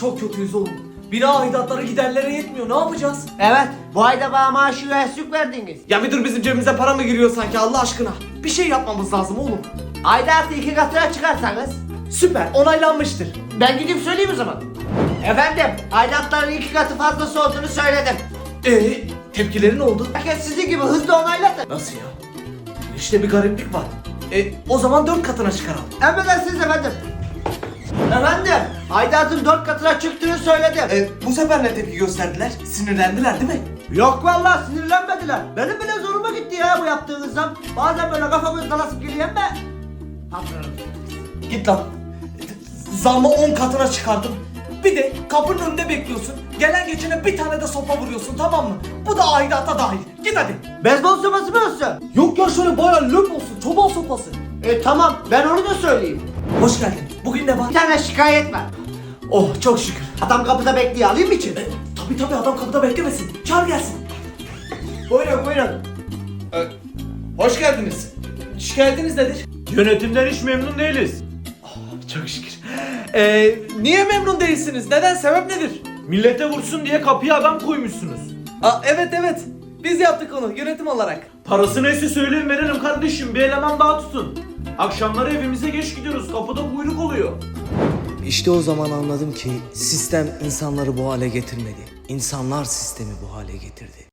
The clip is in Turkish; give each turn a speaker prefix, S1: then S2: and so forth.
S1: Çok kötüyüz oğlum. Bina aidatları giderlere yetmiyor. Ne yapacağız?
S2: Evet, bu ayda bana maaşı yüksek verdiniz.
S1: Ya müdür bizim cebimize para mı giriyor sanki Allah aşkına? Bir şey yapmamız lazım oğlum.
S2: Aidatı 2 katına çıkarsanız
S1: Süper, onaylanmıştır.
S2: ben gidip söyleyeyim o zaman. Efendim, aidatların 2 katı fazlası olduğunu söyledim.
S1: Tepkileri ne oldu?
S2: Herkes sizin gibi hızlı onayladı.
S1: Nasıl ya? İşte bir gariplik var. O zaman 4 katına çıkaralım.
S2: Emredersiniz efendim. Efendim, aidatın 4 katına çıktığını söyledim.
S1: Bu sefer ne tepki gösterdiler? Sinirlendiler değil mi?
S2: Yok vallahi sinirlenmediler. Benim bile zoruma gitti ya bu yaptığınız zam. Bazen böyle kafamız dalasıp geliyor ama patronum.
S1: Git lan. Zammı 10 katına çıkardım. Bir de kapının önünde bekliyorsun. Gelen geçene bir tane de sopa vuruyorsun, tamam mı? Bu da aidat'a dahil. Git hadi.
S2: Beyzbol sopası mı olsun?
S1: Yok ya, şöyle bayağı löp olsun. Çoban sopası.
S2: Tamam, ben onu da söyleyeyim.
S1: Hoş geldin. Bugün ne var?
S2: Bir tane şikayet var.
S1: Oh, çok şükür.
S2: Adam kapıda bekliyor, alayım mı için?
S1: Tabii adam kapıda beklemesin. Çağır gelsin.
S2: Buyurun buyurun.
S1: Hoş geldiniz. Şikayetiniz nedir?
S3: Yönetimden hiç memnun değiliz.
S1: Çok şükür. Niye memnun değilsiniz? Neden? Sebep nedir?
S3: Millete vursun diye kapıya adam koymuşsunuz.
S1: Evet. Biz yaptık onu yönetim olarak.
S3: Parası neyse söyleyin verelim kardeşim, bir eleman daha tutun. Akşamları evimize geç gidiyoruz, kapıda kuyruk oluyor.
S4: İşte o zaman anladım ki sistem insanları bu hale getirmedi. İnsanlar sistemi bu hale getirdi.